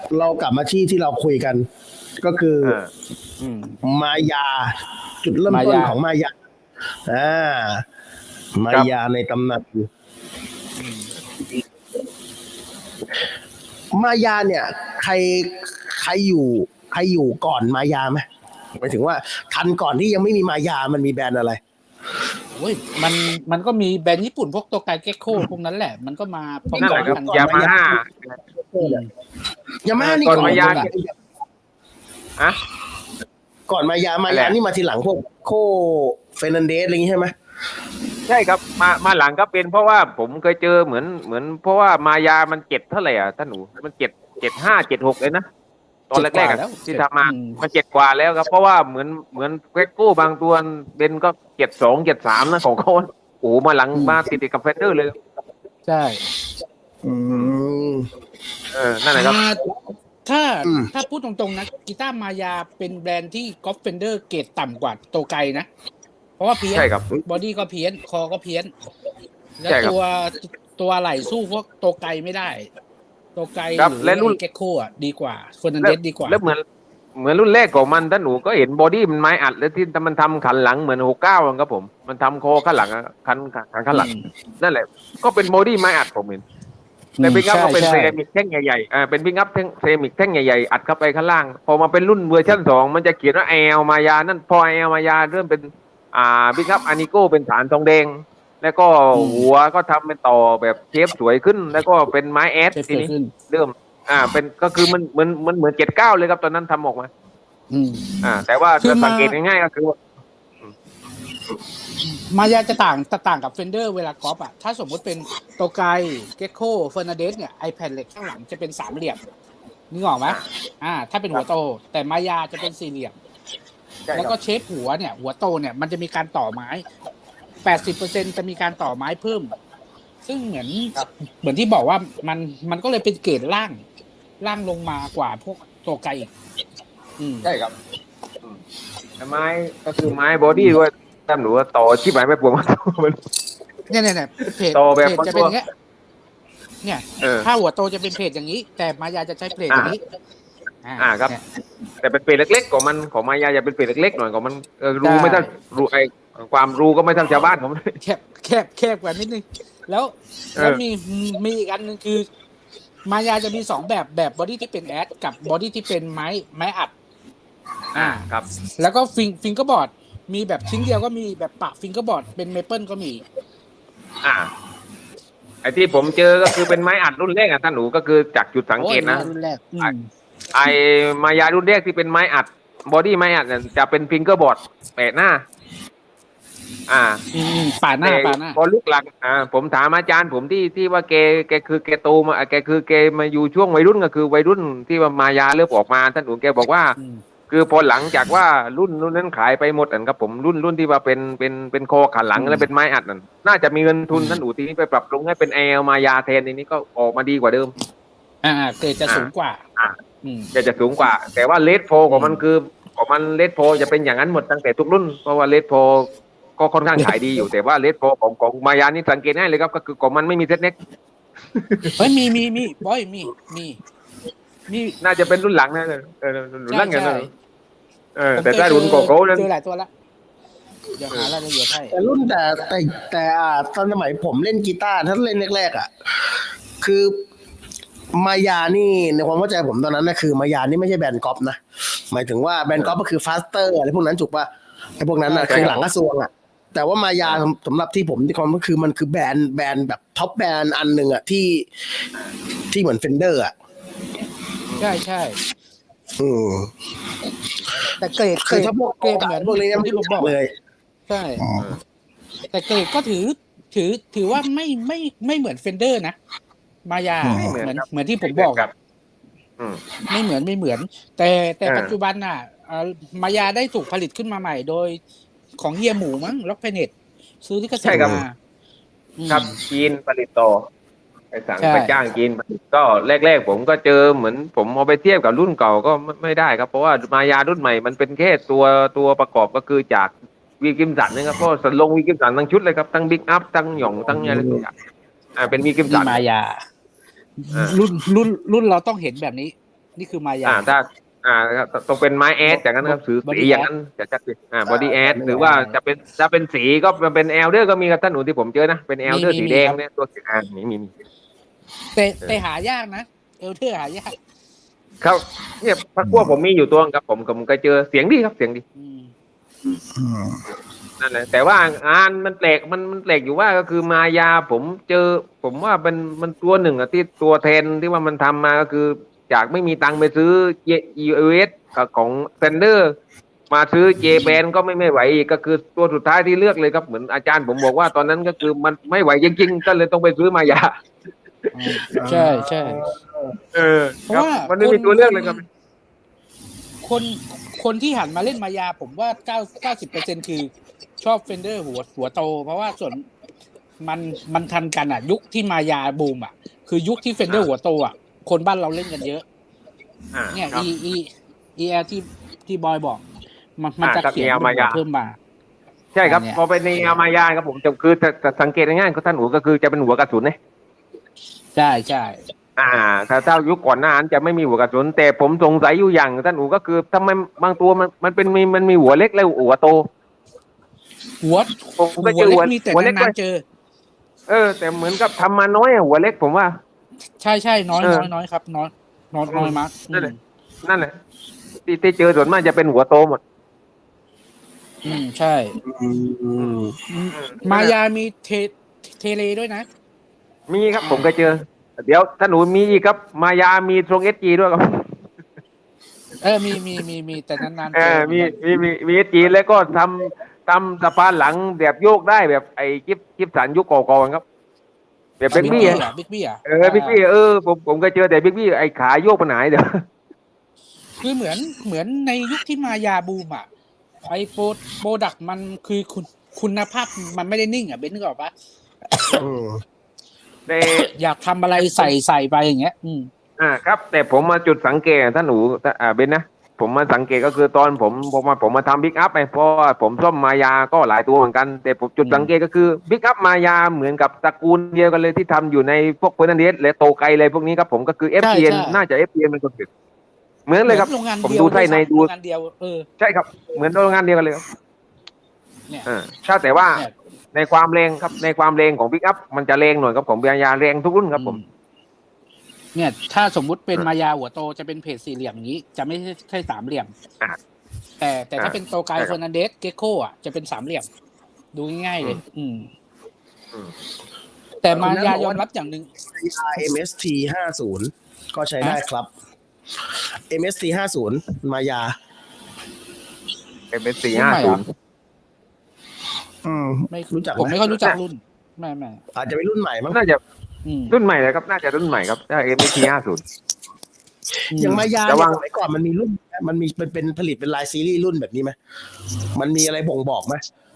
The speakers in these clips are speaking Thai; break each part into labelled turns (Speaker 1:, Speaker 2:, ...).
Speaker 1: เรากลับมาที่เราคุยกัน ก็คือ
Speaker 2: อืม
Speaker 1: มายา จุดเริ่มต้นของมายาอ่ามายาในตำนานมายาเนี่ย ใครอยู่ก่อนมายาไหมหมายถึงว่าทันก่อนที่ยังไม่มีมายามันมีแบรนด์อะไร
Speaker 2: โอ้ยมันก็มีแบรนด์ญี่ปุ่นพวกโตไกเก็กโคพวกนั้นแหละมันก็มาพร้อม
Speaker 3: นั่นแหละครับ
Speaker 2: กัน
Speaker 3: ยามาฮ่าย
Speaker 1: ามาฮ่านี่
Speaker 3: ก่อน
Speaker 1: ก่อน
Speaker 3: มายาอะ
Speaker 1: ก่อนมายานี่มาทีหลังพวกโคเฟร์นันเดสอะไรอย่างงี้ใช่ไหม
Speaker 3: ใช่ครับมาหลังก็เป็นเพราะว่าผมเคยเจอเหมือนเพราะว่ามายามัน7เท่าไหร่อ่ะท่านหนูมัน75 76เลยนะตอนแรกๆอะที่ทำมามัน7 กว่าแล้วครับเพราะว่าเหมือนเวกโก้บางตัวเบนก็72 73นะของเขาโอ้มาหลังมาติดกับเฟเดอร์เลย
Speaker 2: ใช่
Speaker 3: นั่นแหละครับ
Speaker 2: ถ้าพูดตรงๆนะกีตาร์มายาเป็นแบรนด์ที่กอล์ฟเฟนเดอร์เกรดต่ำกว่าโตไกนะเพราะว่าเพี้ยนบอดี้ก็เพี้ยนคอก็เพี้ยนแล้วตัวไหลสู้พวกโตไกไม่ได้โตไกหรือรุ่นเก็กโคอ่ะดีกว่าเฟอร์นันเดสดีกว่า
Speaker 3: แล้วเหมือนรุ่นแรกของมันท่านหนูก็เห็นบอดี้มันไม้อัดแล้วที่มันทำขันหลังเหมือน69ครับผมมันทำคอข้างหลังขันหลังนั่นแหละก็เป็นบอดี้ไม้อัดผมเห็นแต่พิกอัพก็เป็นเซรามิกแท่งใหญ่ๆเป็นพิกอัพเซรามิกแท่งใหญ่ๆอัดเข้าไปข้างล่างพอมาเป็นรุ่นเวอร์ชัน2มันจะเขียนว่าแอลมายานั่นพอแอลมายาเริ่มเป็นพิกอัพอานิโก้เป็นฐานทองแดงแล้วก็หัวก็ทำเป็นต่อแบบเชฟสวยขึ้นแล้วก็เป็นไม้แอดทีนี้เริ่มเป็นก็คือมันเหมือน79เลยครับตอนนั้นทำออกมาแต่ว่าสังเกตง่ายๆก็คือ
Speaker 2: มายาจะต่างกับเฟนเดอร์เวลากอล์ฟอ่ะถ้าสมมติเป็นโตไกเก็กโคเฟอร์นันเดสเนี่ยไอแผ่นเหล็กข้างหลังจะเป็นสามเหลี่ยมนึกออกไหมถ้าเป็นหัวโตแต่มายาจะเป็นสี่เหลี่ยมแล้วก็เชฟหัวเนี่ยหัวโตเนี่ยมันจะมีการต่อไม้ 80% จะมีการต่อไม้เพิ่มซึ่งเหมือนที่บอกว่ามันก็เลยเป็นเกรดล่างลงมากว่าพวกโตไกอีก
Speaker 3: ใช่ครับไม้ก็คือไม้บอดี้ด้วยท่านหนูว่าต่อชิบหายไม่ปวงมัน
Speaker 2: เนี่ยเพจจะเป็นอย่างเงี้ยเนี่ยถ้าหัวโตจะเป็นเพจอย่างนี้แต่มายาจะใช้เพจอย่างนี้
Speaker 3: ครับแต่เป็นเพจเล็กๆของมายาจะเป็นเพจเล็กๆหน่อยของมันรู้ไม่ทันรู้ความรู้ก็ไม่ทันชาวบ้านผม
Speaker 2: แคบกว่านิดนึงแล้วมีอีกอันนึงคือมายาจะมี2แบบบอดี้ที่เป็นแอดกับบอดี้ที่เป็นไม้อัด
Speaker 3: ครับ
Speaker 2: แล้วก็ฟิงเกอร์บอร์ดมีแบบชิ้นเดียวก็มีแบบปะฟิงเกอร์บอร์ดเป็นเมเปิลก็มี
Speaker 3: ไอ้ที่ผมเจอก็คือเป็นไม้อัดรุ่นแรกท่านหนูก็คือจากจุดสังเกตนะ
Speaker 2: รุ่นแรก
Speaker 3: ไอ้มายารุ่นแรกที่เป็นไม้อัดบอดี้ไม้อัดจะเป็นฟิงเกอร์บอร์ดแปะหน้า
Speaker 2: ป่าหน้า
Speaker 3: พอลุกหลังผมถามอาจารย์ผมที่ว่าแกคือแกโตมาแกคือแกมาอยู่ช่วงวัยรุ่นก็คือวัยรุ่นที่ว่ามายาเริ่มออกมาท่านหนูแกบอกว่าคือพอหลังจากว่ารุ่นนั้นขายไปหมดครับผมรุ่นที่ว่าเป็นคอขันหลังแล้วเป็นไม้อัดนั่นน่าจะมีเงินทุนท่านหนูทีนี้ไปปรับปรุงให้เป็นแอลมายาแทนนี้ก็ออกมาดีกว่าเดิม
Speaker 2: เกรดจะสูงกว่า
Speaker 3: จะสูงกว่าแต่ว่าเลดโพของมันคือของมันเลดโพจะเป็นอย่างนั้นหมดตั้งแต่ทุกรุ่นเพราะว่าเลดโพก็ค่อนข้างขายดีอยู่แต่ว่าเลดโพของมายานี่สังเกตง่ายเลยครับก็คือของมันไม่มีเซตเน็ก
Speaker 2: มีบอยมี
Speaker 3: น่าจะเป็นรุ่นหลังนะรุ่นหลังกันนะแต่ถ้ารุ่นโกโก้นั้น
Speaker 2: เจอหลายตัวละเดี๋ยวหารายละเอียดให้
Speaker 1: แต่รุ่นแต่ตอนสมัยผมเล่นกีตาร์ถ้าเล่นแรกๆคือมายานี่ในความเข้าใจผมตอนนั้นนะคือมายานี่ไม่ใช่แบรนด์ก๊อปนะหมายถึงว่าแบรนด์ก๊อปก็คือฟาสเตอร์อะไรพวกนั้นถูกป่ะไอ้พวกนั้นคือหลังกระทรวงแต่ว่ามายาสำหรับที่ผมที่ความก็คือมันคือแบรนด์แบบท็อปแบรนด์อันหนึ่งที่เหมือนเฟนเดอร์
Speaker 2: ใช่แต่เกรดเหมือน
Speaker 1: พวกนี้
Speaker 2: ที่ผมบอก
Speaker 1: เลย
Speaker 2: ใช่แต่เกรดก็ถือว่าไม่เหมือนเฟนเดอร์นะมายาเหมือนที่ผมบอกไม่เหมือนแต่ปัจจุบันมายาได้ถูกผลิตขึ้นมาใหม่โดยของเฮียหมูมั้งล็อกเพเน็ตซื้อที่เกษตรมา
Speaker 3: ครับจีนผลิตต่อไปจ้างจีนก็แรกๆผมก็เจอเหมือนผมเอาไปเทียบกับรุ่นเก่าก็ไม่ได้ครับเพราะว่ามายารุ่นใหม่มันเป็นแค่ตัวประกอบก็คือจากวีกิมสันนะครับเพราะลงวีกิมสันทั้งชุดเลยครับทั้งบิ๊กอัพทั้งหย่องทั้งอะไรทุกอย่างเป็นวีกิมสัน
Speaker 2: มายารุ่นเราต้องเห็นแบบนี้นี่คือมายา
Speaker 3: ถ้าต้องเป็นไม้แอดจากนั้นครับถือสีอย่างนั้นจะชัดเจนบอดี้แอดหรือว่าจะเป็นสีก็เป็นแอลเดอร์ก็มีกับท่านหนูที่ผมเจอนะเป็นแอลเดอร์สีแดงเนี่ยตัวสีมี
Speaker 2: แต่หายากนะเอลเทอร์หายาก
Speaker 3: ครับเนี่ยพักพวกผมมีอยู่ตัวครับผมเคยเจอเสียงดีครับเสียงดี
Speaker 2: อืม
Speaker 3: นั่นแหละแต่ว่างานมันแปลกมันแปลกอยู่ว่าก็คือมายาผมเจอผมว่ามันตัวหนึ่งอะที่ตัวแทนที่ว่ามันทำมาก็คือจากไม่มีตังค์ไปซื้อ US ของเซนเดอร์มาซื้อเจแปนก็ไม่ไหวอีกก็คือตัวสุดท้ายที่เลือกเลยครับเหมือนอาจารย์ผมบอกว่าตอนนั้นก็คือมันไม่ไหวจริงๆก็เลยต้องไปซื้อมายา
Speaker 2: ใช่ใช่ เพราะ
Speaker 3: ครับ
Speaker 2: ว่า
Speaker 3: มันไม่มีตัวเลือกเลยครับ
Speaker 2: คนที่หันมาเล่นมายาผมว่า90%คือชอบเฟนเดอร์หัวโต เพราะว่าส่วนมันทันกันอ่ะ ยุคที่มายาบูมอ่ะ คือยุคที่เฟนเดอร์หัวโตอ่ะคนบ้านเราเล่นกันเยอะเนี่ย
Speaker 3: ครับ
Speaker 2: EL ที่บอยบอก มันจะ
Speaker 3: ครับ
Speaker 2: เขียน
Speaker 3: EL มายา
Speaker 2: เพิ่มมา
Speaker 3: ใช่ครับ
Speaker 2: เนี่ย
Speaker 3: พอเป็นในมายาครับผมจะคือแต่สังเกตง่ายๆก็ท่านหูก็คือจะเป็นหัวกระสุนเนี่ย
Speaker 2: ใช่ใช่
Speaker 3: ถ้ายุคก่อนหน้านั้นจะไม่มีหัวกระสุนแต่ผมสงสัยอยู่อย่างท่านหูก็คือทำไมบางตัวมันมีหัวเล็กและหัวโต
Speaker 2: หัว
Speaker 3: ผมก็เจอ
Speaker 2: เล็
Speaker 3: หัว
Speaker 2: กมีแต่
Speaker 3: หัวเล็ก
Speaker 2: นานๆเจอ
Speaker 3: แต่เหมือนกับทำมาน้อยหัวเล็กผมว่า
Speaker 2: ใช่ใช่น้อย
Speaker 3: เออ
Speaker 2: น้อยครับน้อยมาก
Speaker 3: นั่นแหละ นั่นแหละที่เจอส่วนมากจะเป็นหัวโตหมด
Speaker 2: ใช่มายามีเทเลด้วยนะ
Speaker 3: มีครับผมก็เจอ เดี๋ยวท่านหนูมีอีกครับมายามีทรงเอสจีด้วยครับ
Speaker 2: มีแต่นานๆ
Speaker 3: เอ
Speaker 2: เจอ
Speaker 3: มีเอสจีแล้วก็ทำสะพานหลังแบบโยกได้แบบไอ้กิฟสันยุคก่อนครับแบบบิ๊กบี้
Speaker 2: บิ๊กบี้อ่ะ
Speaker 3: บิ๊กบี้ผมก็เจอแต่บิ๊กบี้ไอ้ขาโยกไปไหนเดี๋ยว
Speaker 2: คือเหมือนในยุคที่มายาบูมอ่ะไอโปรดักมันคือคุณภาพมันไม่ได้นิ่งอ่ะเบนนึกออกปะ
Speaker 3: แต่
Speaker 2: อยากทำอะไรใส่ไปอย่างเงี้ย
Speaker 3: ครับแต่ผมมาจุดสังเกตท่านหนูเบนนะผมมาสังเกตก็คือตอนผมมาทำบิ๊กอัพไปเพราะว่าผมซ่อมมายาก็หลายตัวเหมือนกันแต่ผมจุดสังเกตก็คือบิ๊กอัพมายาเหมือนกับตระกูลเดียวกันเลยที่ทำอยู่ในพวกเฟอร์นันเดสและโตไกอะไรพวกนี้ครับผมก็คือ FPN น่าจะ FPN เป็นคนผิดเหมือนเลยครับ
Speaker 2: โรงงาน
Speaker 3: ผม
Speaker 2: เดียว
Speaker 3: ดูไส้ในดู
Speaker 2: โรงงานเดียว
Speaker 3: ใช่ครับเหมือนโรงงานเดียวกันเลยครับ
Speaker 2: เนี่ย
Speaker 3: ถ้าแต่ว่า
Speaker 2: เนี่ย
Speaker 3: ในความแรงครับในความแรงของบิ๊กอัพมันจะแรงหน่อยครับผมยาแรงทุกรุ่นครับผม
Speaker 2: เนี่ยถ้าสมมุติเป็นมายาหัวโตจะเป็นเพจสี่เหลี่ยมอย่างนี้ จะไม่ใช่สามเหลี่ยมแต่ถ้าเป็นโตไกเฟอร์นันเดสเกโก้อ่ะจะเป็นสามเหลี่ยม ดูง่ายๆเลยแต่มายายอมรับอย่างหนึ่ง
Speaker 1: MST 50ก็ใช้ได้ครับ MST 50มายา
Speaker 3: เป็น450
Speaker 2: ไม่
Speaker 1: รู้จักไหม
Speaker 2: ผมไม่ค่อยรู้จักรุ่นไม่
Speaker 1: อาจจะเป็นรุ่นใหม่มั้ง
Speaker 3: น่าจะรุ่นใหม่เลยครับน่าจะรุ่นใหม่ครับถ้า MT50
Speaker 1: อย่างมายา
Speaker 3: แต่
Speaker 1: เนี่ย
Speaker 3: ว่า
Speaker 1: สมัยก่อนมันมีรุ่นมันเป็นผลิตเป็นลายซีรีส์รุ่นแบบนี้ไหมมันมีอะไรบ่งบอกไหม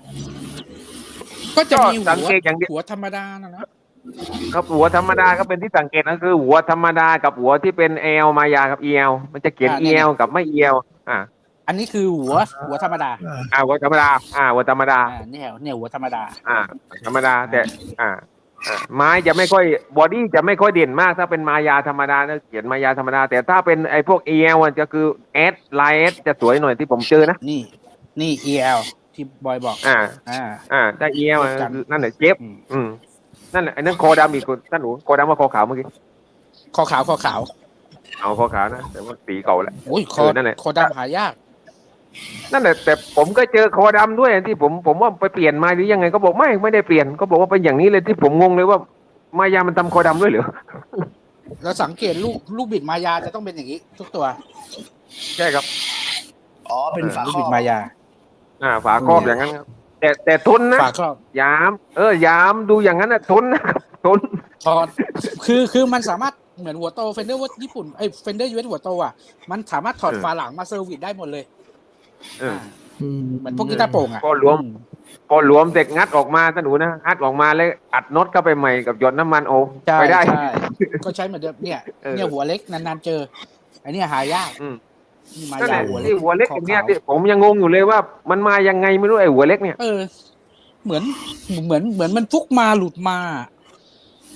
Speaker 2: ก็จะมี
Speaker 3: สังเกตอย่างเดียว
Speaker 2: หัวธรรมดานะครับ
Speaker 3: หัวธรรมดาก็เป็นที่สังเกตก็คือหัวธรรมดากับหัวที่เป็น L มายากับ EL มันจะเขียน EL กับไม่ EL
Speaker 2: อันนี้คือหัวธรรมดา
Speaker 3: หัวธรรมดาหัวธรรมดา
Speaker 2: เนี่ยหัวธรรมดา
Speaker 3: ธรรมดาแต่ไม้จะไม่ค่อยบอดี้จะไม่ค่อยเด่นมากถ้าเป็นมายาธรรมดาเขียนมายาธรรมดาแต่ถ้าเป็นไอ้พวก EL มันจะคือ S ลาย S จะสวยหน่อยที่ผมเจอนะ
Speaker 2: นี่ EL ที่บอยบอก
Speaker 3: ถ้า EL นั่นแหละเจ็บนั่นแหละไอ้นั่นคอดำอีกคนท่านหนูคอดำว่าคอขาวเมื่อกี้
Speaker 2: คอขาว
Speaker 3: เอาคอขาวนะแต่ว่าสีเก่าแล้ว
Speaker 2: โอ้ยนั่นแหละคอดำหายาก
Speaker 3: นั่นแหละแต่ผมก็เจอคอดำด้วยที่ผมว่าไปเปลี่ยนมาหรือยังไงก็บอกไม่ได้เปลี่ยนก็บอกว่าเป็นอย่างนี้เลยที่ผมงงเลยว่ามายามันทำคอดำด้วยเหรอ
Speaker 2: เราสังเกตลูกบิดมายาจะต้องเป็นอย่างนี้ทุกตัว
Speaker 3: ใช่ครับ
Speaker 1: เป็นฝาครอบ
Speaker 2: บิดมายา
Speaker 3: ฝาครอบอย่างนั้นครับแต่ทนนะ
Speaker 2: ฝาครอบ
Speaker 3: ยามดูอย่างนั้นนะทนนะครับทน
Speaker 2: ถอดคือมันสามารถเหมือนหัวโตเฟนเดอร์ว่าญี่ปุ่นเฟนเดอร์ยูเอสหัวโตอ่ะมันสามารถถอดฝาหลังมาเซอร์วิสได้หมดเลยเหมือนพวกกีตาร์โปร่งอ่ะ
Speaker 3: ก็รวมเสร็จงัดออกมาท่านหนูนะงัดออกมาแล้วอัดน็อตเข้าไปใหม่กับหยดน้ำมันไปได้
Speaker 2: ก็ใช้เหมือนเดิมเนี่ยหัวเล็กนานๆเจออันนี้หายาก
Speaker 3: มายาหัวเล็กอย่างเนี้ยที่ผมยังงงอยู่เลยว่ามันมายังไงไม่รู้ไอ้หัวเล็กเนี่ย
Speaker 2: เหมือนมันฟุกมาหลุดมา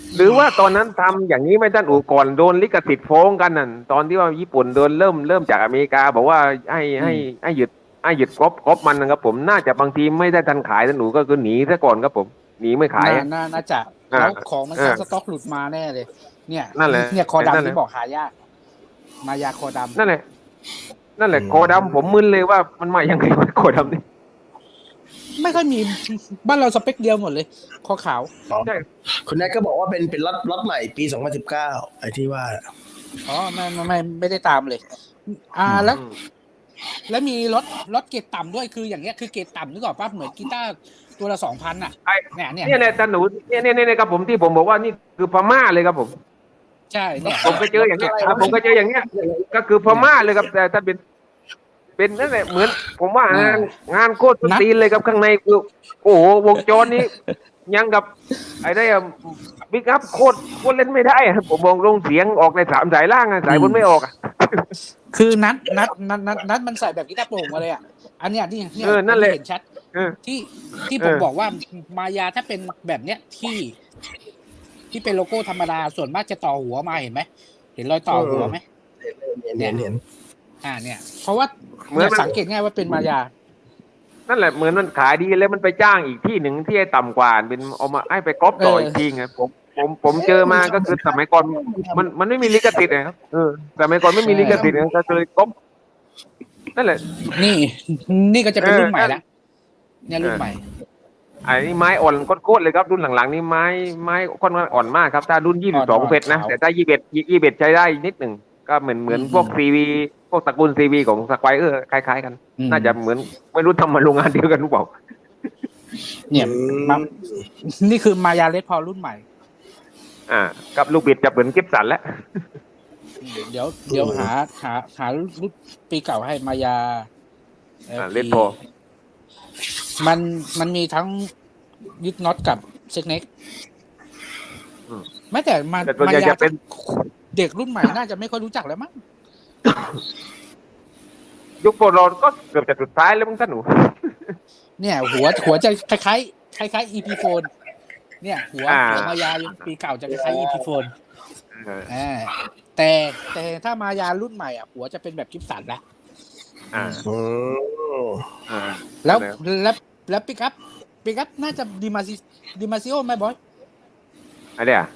Speaker 3: หรือว่าตอนนั้นทำอย่างนี้ไม่ท่านอูก่อนโดนลิขสิทธิ์ฟ้องกันนั่นตอนที่ว่าญี่ปุ่นโดนเริ่มจากอเมริกาบอกว่าให้หยุดก๊อปมันนะครับผมน่าจะบางทีไม่ได้ทันขายท่านอูก็คือหนีซะก่อนครับผมหนีไม่ขาย
Speaker 2: น่าจะแล้วของมันสต็อกหลุดมาแน่เลย เนี่ย
Speaker 3: นั่นแหละ
Speaker 2: เนี่ยคอดำที่บอกหายากมายาคอดำ
Speaker 3: นั่นแหละโคดำผมมึนเลยว่ามันมายังไงวะโคดำนี่
Speaker 2: ไม่ค่อยมีบ้านเราสเปคเดียวหมดเลยคอขาว
Speaker 3: ใช่
Speaker 1: คุณแนทก็บอกว่าเป็นล็อตใหม่ปี 2019 ไอ้ที่ว่า
Speaker 2: อ๋อไม่ได้ตามเลย แล้วมีรถเกรดต่ำด้วยคืออย่างเงี้ยคือเกรดต่ำนึกออกป่ะเหมือนกีตาร์ตัวละ 2,000 อ่ะเนี่ย
Speaker 3: ท่านหนูเนี่ยครับผมที่ผมบอกว่านี่คือพม่าเลยครับผม
Speaker 2: ใช่เนี่ย
Speaker 3: ผมก็เจออย่างเงี้ยก็คือพม่าเลยครับแต่ถ้าเป็นนั่นแหละเหมือนผมว่างานโคตรตีนเลยครับข้างในคือโอ้โหวงจรนี้ยังกับไอ้ได้บิ๊กอัพโคตรเล่นไม่ได้ผมมองลงเสียงออกใน3 สายล่างสายบนไม่ออก
Speaker 2: คือนัดมันใส่แบบกีตาร์โปร่งมาเลยอ่ะอันเนี้ยที่
Speaker 3: นั่นแหละ
Speaker 2: เห็นชัดที่ผมบอกว่ามายาถ้าเป็นแบบเนี้ยที่เป็นโลโก้ธรรมดาส่วนมากจะต่อหัวมาเห็นไหมเห็นรอยต่อหัวไหม
Speaker 1: เห็น
Speaker 2: เนี่ยเพราะว่าสังเกตง่ายว่าเป็นมายา
Speaker 3: นั่นแหละเหมือนมันขายดีแล้วมันไปจ้างอีกที่หนึ่งที่ต่ำกว่าเป็นเอามาให้ไปก๊อปต่ออีกทีไงผมเจอมาก็คือสมัยก่อนมันไม่มีลิขสิทธิ์นะครับสมัยก่อนไม่มีลิขสิทธิ์ก็เลยก๊อปนั่นแหละ
Speaker 2: นี่ก็จะเป็นรุ่นใหม่ละเนี่ยรุ่นใหม่
Speaker 3: ไอ้นี่ไม้อ่อนโคตรเลยครับรุ่นหลังๆนี่ไม้ค่อนข้างอ่อนมากครับถ้ารุ่น22เฟสนะแต่ถ้า21ใช้ได้นิดหนึ่งก็เหมือนพวกซีวีพวกตระกูลซีวีของสควอคล้ายๆกันน่าจะเหมือนไม่รู้ทำมาโรงงานเดียวกันหรือเปล่า
Speaker 2: เนี่ยนี่คือมายาเลดพอรุ่นใหม่
Speaker 3: กับลูกบิดจะเหมือนกิฟสันแล้ว
Speaker 2: เดี๋ยวหารุ่นปีเก่าให้มายา
Speaker 3: เลดพอ
Speaker 2: มันมีทั้งยึดน็อตกับเซ็กเน็กแม้แต่มายาเป็นเด็กรุ่นใหม่น่าจะไม่ค่อยรู้จักแล้วมั้ง
Speaker 3: ยุคโบราณก็เกือบจะสุดท้ายแล้วมั้งท่านหนู
Speaker 2: เนี่ยหัวจะคล้ายEP phone เนี่ยหัวมายาปีเก่าจะคล้ายEP phone แต่ถ้ามายารุ่นใหม่อ่ะหัวจะเป็นแบบกิฟสันละแล้วปิกอัพน่าจะดิมาซิโอไหมบอย
Speaker 3: อะไรอ่ะ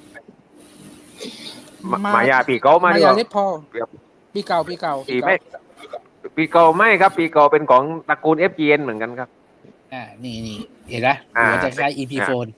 Speaker 3: มายาปีเก่าม
Speaker 2: ายาเลดพอปีเก่า
Speaker 3: ปีเก่าไม่ครับปีเก่าเป็นของตระกูล FGN เหมือนกันครับ
Speaker 2: นี่เห็นไหมหัวจะคล้าย EP phone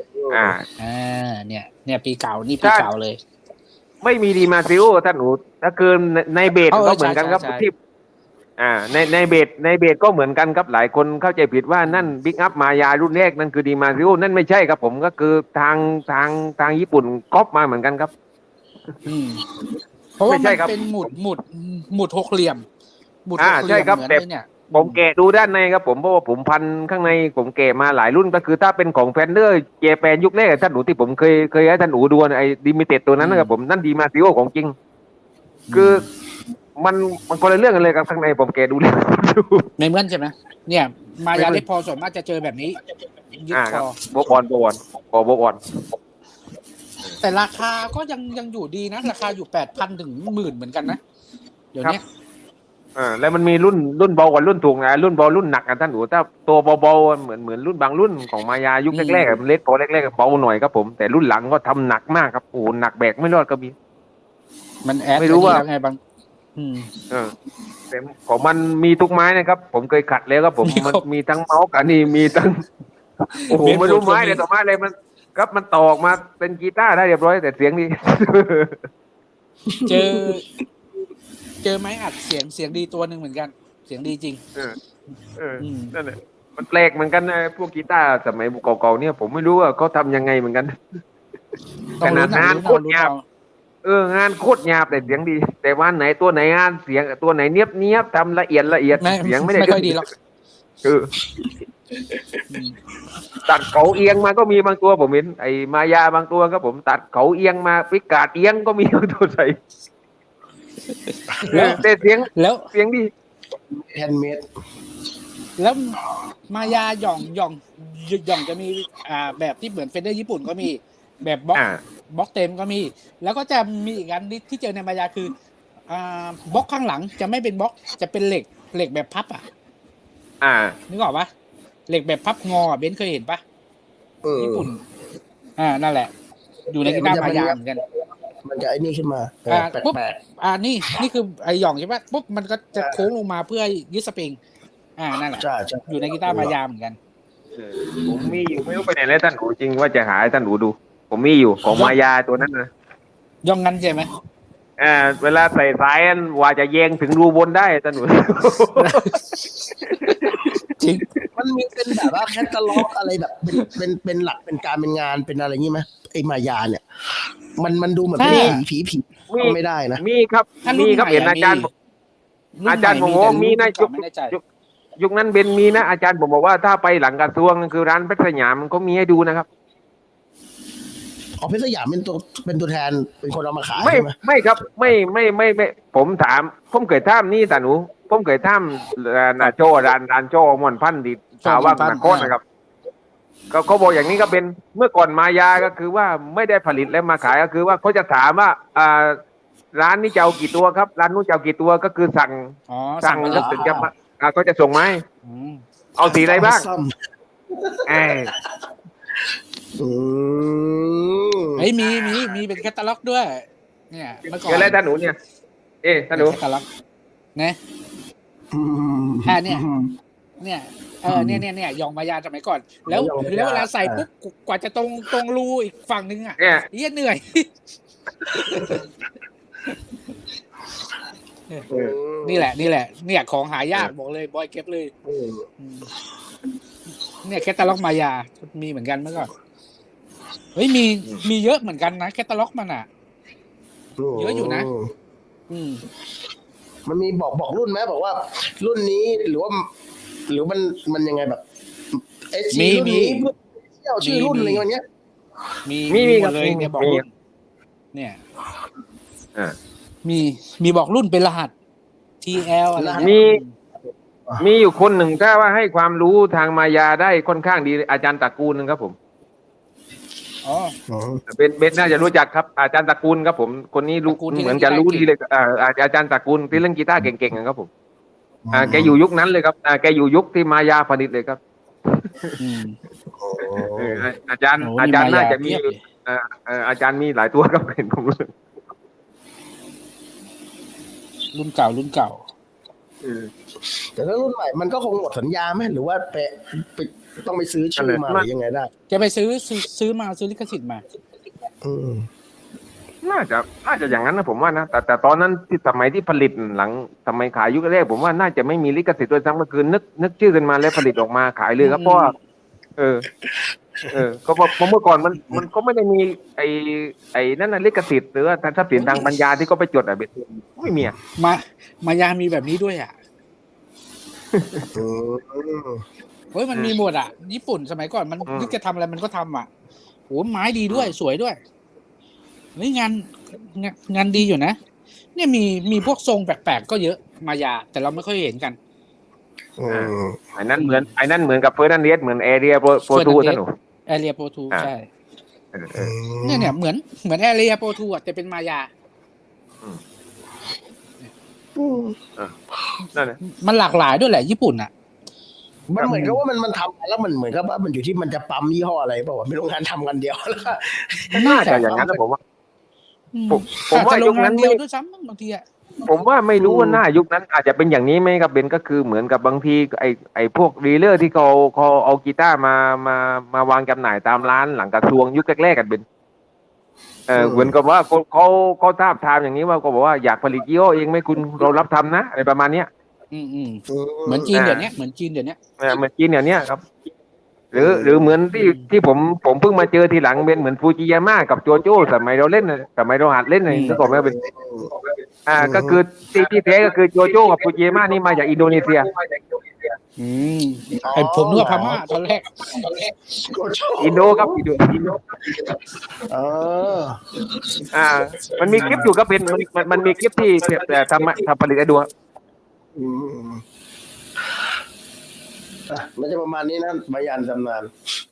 Speaker 2: เนี่ยปีเก่านี่ปีเก่าเลย
Speaker 3: ไม่มีดีมาซิโอท่านหนูถ้าเกินในเบสก็เหมือนกันครับที่ในเบสก็เหมือนกันครับหลายคนเข้าใจผิดว่านั่นบิ๊กอัพมายารุ่นแรกนั่นคือดีมาซิโอนั่นไม่ใช่ครับผมก็คือทางญี่ปุ่นก๊อปมาเหมือนกันครับ
Speaker 2: เพราะว่ามันเป็นหมุดหกเหลี่ยมหมุดหกเหลี่ยม
Speaker 3: ใช่ครับแต่ผมแกะดูด้านในครับผมเพราะว่าผมพันข้างในผมแกะมาหลายรุ่นก็คือถ้าเป็นของแฟนเดอร์เจแปนยุคแรกท่านหนูที่ผมเคยให้ท่านหนูดูไอ้ดิมิเต็ดตัวนั้นนะครับผมนั่นดีมาซิโอของจริงคือมันคนละเรื่องกันเลยครับข้างในผมแกะดูเลย
Speaker 2: ในเหมือนใช่ไหมเนี่ยมายาเลดพอส่วนมากจะเจอแบบนี้
Speaker 3: ยึดคอโบบอล
Speaker 2: แต่ราคาก็ยังอยู่ดีนะราคาอยู่ 8,000 ถึง 10,000 เหมือนกันนะเดี๋ยวนี้
Speaker 3: แล้วมันมีรุ่นเบากว่ารุ่นถูกนะรุ่นเบารุ่นหนักท่านดูถ้าตัวเบาๆเหมือนรุ่นบางรุ่นของมายายุคแรกๆเล็กพอแรกๆเบาหน่อยครับผมแต่รุ่นหลังก็ทำหนักมากครับโอ้หนักแบกไม่รอดก็มี
Speaker 2: มันแอดไม่รู้ว่าไงบาง
Speaker 3: แต่ของมันมีทุกไม้นะครับผมเคยขัดแล้วครับผมมันมีทั้งเมาส์กับนี่มีทั้งโอ้โหไม่รู้ไม้เลยต่อไม้อะไรมันครับมันต่อออกมาเป็นกีตาร์ได้เรียบร้อยแต่เสียงดี
Speaker 2: เจอไม้อัดเสียงดีตัวหนึ่งเหมือนกันเสียงดีจริง
Speaker 3: นั่นแหละมันแปลกเหมือนกันนะพวกกีตาร์สมัยเก่าๆเนี่ยผมไม่รู้ว่าเขาทำยังไงเหมือนกันขนาดงานโคตรหยาบงานโคตรหยาบแต่เสียงดีแต่ว่าไหนตัวไหนงานเสียงตัวไหนเนียบทำละเอียดเสียงไม่
Speaker 2: ค่อยดีหรอก
Speaker 3: ตัดเขาเอียงมาก็มีบางตัวผมเห็นไอ้มายาบางตัวครับผมตัดเขาเอียงมาพิกาดเอียงก็มีบางตัวใส่แต่เสียงดี
Speaker 1: แฮนด์เมด
Speaker 2: แล้วมายาหย่องจะมีแบบที่เหมือนเฟนเดอร์ญี่ปุ่นก็มีแบบบล็อก
Speaker 3: อ่า
Speaker 2: บล็อกเต็มก็มี แล้วก็จะมีอีกอันที่เจอในมายาคือบล็อกข้างหลังจะไม่เป็นบล็อกจะเป็นเหล็กแบบพับอ่ะ
Speaker 3: อ่า
Speaker 2: นึกออกปะเหล็กแบบพับงอเบนซ์เคยเห็นปะญี่ปุ่นนั่นแหละ อยู่ในกีตาร์มายาเหมือนกัน
Speaker 1: มันจะไอ้นี่ขึ้นมาแป
Speaker 2: ปุ๊บ
Speaker 1: ลก
Speaker 2: นี่คือไอหย่องใช่ปะปุ๊บมันก็จะโค้งลงมาเพื่อยึดสปริงนั่นแหละ
Speaker 1: ๆใช่ใช่
Speaker 2: อยู่ในกีตาร์มายาเหมือนกัน
Speaker 3: ผมมีอยู่ไม่รู้ไปไหนแล้วท่านหนูจริงว่าจะหาให้ท่านหนูดู ผมมีอยู่ของมายาตัวนั้นนะ
Speaker 2: ย่องงั้นใช่ไหม
Speaker 3: เวลาใส่สายอันว่าจะแยงถึงรูบนได้ท่านหนู
Speaker 2: จริง
Speaker 1: มันมีเป็นแบบว่าแคตตาล็อกอะไรแบบเป็นหลักเป็นการเป็นงานเป็นอะไรงี้ไหมไอ้มายาเนี่ย มันดูเหมือนเป็นผีก็ไม่ได้นะ
Speaker 3: มีครับ
Speaker 2: ถ้ารุ่น
Speaker 3: มีครับ
Speaker 2: ใหม่
Speaker 3: เห็นอาจารย์ อาจารย์ผมบอกว่ามีนะ
Speaker 2: ไม่แน่ใจ
Speaker 3: ยุคนั้นเบนมีนะอาจารย์ผมบอกว่าถ้าไปหลังกระทรวงคือร้านเพชรสยามมันก็มีให้ดูนะครับ
Speaker 1: อ๋อเพชรสยามเป็นตัวแทนเป็นคนเอามาขาย
Speaker 3: ไม่
Speaker 1: ใช่ไหม
Speaker 3: ไม่ครับไม่ผมถามผมเคยถามนี่แต่หนูผมเคยถามนาโจร้านโจมอนพันธ์ดีชาวว่างนาโคตนะครับก็เขาบอกอย่างนี้ก็เป็นเมื่อก่อนมายาก็คือว่าไม่ได้ผลิตแล้วมาขายก็คือว่าเขาจะถามว่าร้านนี้จะเอากี่ตัวครับร้านนู้นจะเอากี่ตัวก็คือสั่ง
Speaker 2: สั่ง
Speaker 3: แล้วถึงจะมาก็จะส่งไหมาให้เอาสีอะไรบ้าง
Speaker 1: ซ่อม
Speaker 3: เออ
Speaker 1: อืม
Speaker 2: เฮ้ยมีเป็นแคตตาล็อกด้วย เนี่ยเมื่อก่อน
Speaker 3: เดี๋ยวแล้วท่านหนูเนี่ยท่านหนู
Speaker 2: แคตตาล็อกนะ
Speaker 1: อืม
Speaker 2: เนี่ยยองมายาสมัยก่อน แล้วเวลาใส่ปุ๊บกว่าจะตรงรูอีกฝั่งนึงอ่ะ
Speaker 3: เนี่ย
Speaker 2: เหี้ยเหนื่อย นี่แหละ เนี่ยของหายากบอกเลยบอยเก็บเลย เนี่ยแคตตาล็อกมายามีเหมือนกันเมื่อก่อนเฮ้ยมีเยอะเหมือนกันนะแคตตาล็อกมันอ่ะ เยอะอยู่นะ
Speaker 1: มันมีบอกรุ่นไหมบอกว่า รุ่นนี้หรือมันยังไงแบบรุ่นนี้เที่ยวชื่อรุ่นอะไรเงี้ย
Speaker 2: มีหมดเลยเนี่ยบอกรุ่นเนี่ยมีบอกรุ่นเป็นรหัส TL อะไร
Speaker 3: มีอยู่คนหนึ่งถ้าว่าให้ความรู้ทางมายาได้ค่อนข้างดีอาจารย์ตระกูลนึงครับผม
Speaker 2: อ๋อ
Speaker 3: เบนน่าจะรู้จักครับอาจารย์ตระกูลครับผมคนนี้รู้
Speaker 2: ตระกูลที่
Speaker 3: เหมือนจะรู้ดีเลยอาจารย์ตระกูลที่เล่นกีตาร์เก่งๆครับผมแกอยู่ยุคนั้นเลยครับแกอยู่ยุคที่มายาผลิตเลยครับอาจารย์น่าจะมีอาจารย์มีหลายตัวครับเห็นผมรู้สึก
Speaker 2: รุ่นเก่า
Speaker 1: แต่ถ้ารุ่นใหม่มันก็คงหมดสัญญาไหมหรือว่าไปต้องไปซื้อชื่อมาหรือยังไงได้
Speaker 2: จะไปซื้อลิขสิทธิ์มา
Speaker 3: น่าจะอย่างนั้นนะผมว่านะแต่ตอนนั้นที่สมัยที่ผลิตหลังสมัยขายยุคแรกผมว่าน่าจะไม่มีลิขสิทธิ์ด้วยซ้ำก็คือนึกชื่อกันมาแล้วผลิตออกมาขายเลยครับเพราะว่าก็เพราะเมื่อก่อนมันก็ไม่ได้มีไอ้นั่นน่ะลิขสิทธิ์หรือว่าทรัพย์สินทางปัญญาที่ก็ไปจดเบ็ดไม่มี
Speaker 2: มายามีแบบนี้ด้วยอ่ะเฮ้ยมันมีหมดอ่ะญี่ปุ่นสมัยก่อนมันนึกจะทำอะไรมันก็ทำอ่ะโหไม้ดีด้วยสวยด้วยนี่งานดีอยู่นะเนี่ยมีพวกทรงแปลกๆก็เยอะมายาแต่เราไม่ค่อยเห็นกัน
Speaker 3: ไอ้นั่นเหมือนกับเฟอร์นันเดสเหมือนแอเรียโปรทูท่านหนู
Speaker 2: แอเรียโปรทูใช่เนี่ยเหมือนแอเรียโปรทูอ่ะแต่เป็นมายา
Speaker 3: นั่นแหละ
Speaker 2: มันหลากหลายด้วยแหละญี่ปุ่นอ่ะ
Speaker 1: มันเหมือนกับว่ามันทำแล้วมันเหมือนกับว่ามันอยู่ที่มันจะปั๊มยี่ห้ออะไรเปล่าวะไม่โรงงานทำกันเดียวแล้ว
Speaker 3: น่าจะอย่างนั้นนะผมว่ายุคนั้น
Speaker 2: เดียวด้วยซ้ำบางทีอ่ะ
Speaker 3: ผมว่าไม่รู้ว่าหน้ายุคนั้นอาจจะเป็นอย่างนี้ไหมครับเบนก็คือเหมือนกับบางทีไอ้พวกดีลเลอร์ที่เขาเอากีตาร์มาวางจำหน่ายตามร้านหลังกระทรวงยุคแรกๆกันเบนเหมือนกับว่าเขาทาบทามอย่างนี้ว่าก็บอกว่าอยากผลิตยี่ห้อเองไหมคุณเรารับทำนะอะไรประมาณเนี้ย
Speaker 2: เหมือนจีนเดี๋ยวนี้เหมือนจีนเดี๋ยว
Speaker 3: นี้ครับหรือเหมือนที่ผมเพิ่งมาเจอทีหลังเป็นเหมือนฟูจิยาม่ากับโจโจ้สมัยเราเล่นสมัยเราหัดเล่นเลยก็บอกว่าเป็นก็คือที่แท้ก็คือโจโจ้กับฟูจิยาม่านี่มาจากอินโดนีเซีย
Speaker 2: ไอผมนึกว่าพม่าตอนแรก
Speaker 3: อินโดครับอินโดมันมีคลิปอยู่ก็เป็นมันมีคลิปที่ทำผลิตไอ้ดู
Speaker 1: มันจะประมาณนี้นะบายันตำนาน